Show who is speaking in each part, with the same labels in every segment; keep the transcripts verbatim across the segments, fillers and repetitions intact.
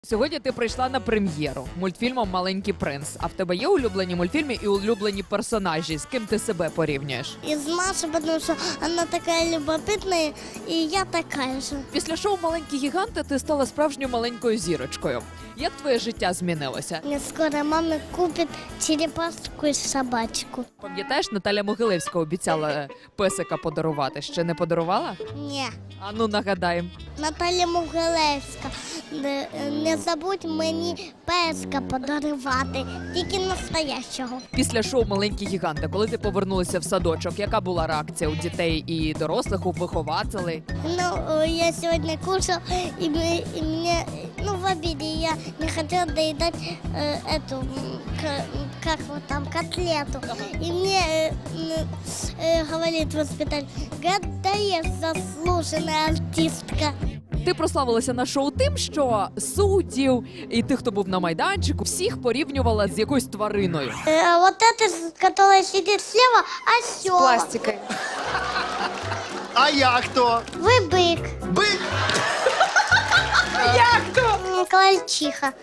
Speaker 1: Сьогодні ти прийшла на прем'єру мультфільмом «Маленький принц». А в тебе є улюблені мультфільми і улюблені персонажі? З ким ти себе порівнюєш?
Speaker 2: Из Маши, потому что она такая любопытная, и я такая же.
Speaker 1: Після шоу «Маленькі гіганти» ти стала справжньою маленькою зірочкою. Як твоє життя змінилося?
Speaker 2: Мне скоро мама купит черепашку и собачку.
Speaker 1: Пам'ятаєш, Наталя Могилевська обіцяла песика подарувати. Ще не подарувала?
Speaker 2: Не,
Speaker 1: А ну нагадай.
Speaker 2: Наталя Могилевська, не, не забудь мені песка подарувати, тільки настоящого.
Speaker 1: Після шоу «Маленькі гіганти», коли ти повернулася в садочок, яка була реакція у дітей і дорослих, у вихователей?
Speaker 2: Ну, э, я сегодня кушал, и, мне- и мне, ну, в обеде я не хотела доедать э, эту, м, к- как вот там, котлету. И мне э, м, э, говорит воспитатель, гадаешь, заслуженная артистка.
Speaker 1: Ти прославилася на шоу тим, що суддів і тих, хто був на майданчику, всіх порівнювала з якоюсь твариною.
Speaker 2: Э, вот эта, с- которая сидит слева, осел.
Speaker 3: Пластикой.
Speaker 4: А я хто?
Speaker 2: Вы бык.
Speaker 4: Бик?
Speaker 2: М, Крольчиха.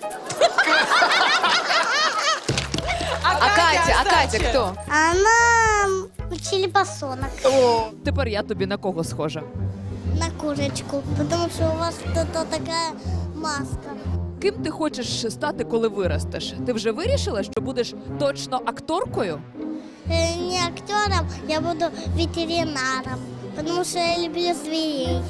Speaker 3: А Катя, а Катя кто?
Speaker 2: Она м, черепашонок.
Speaker 1: Тепер я тобі на кого схожа?
Speaker 2: На курочку, потому что у вас кто-то такая маска.
Speaker 1: Ким ти хочеш стати, коли виростеш? Ти вже вирішила, що будеш точно акторкою?
Speaker 2: Э, Не актером, я буду ветеринаром, потому что я люблю зверей.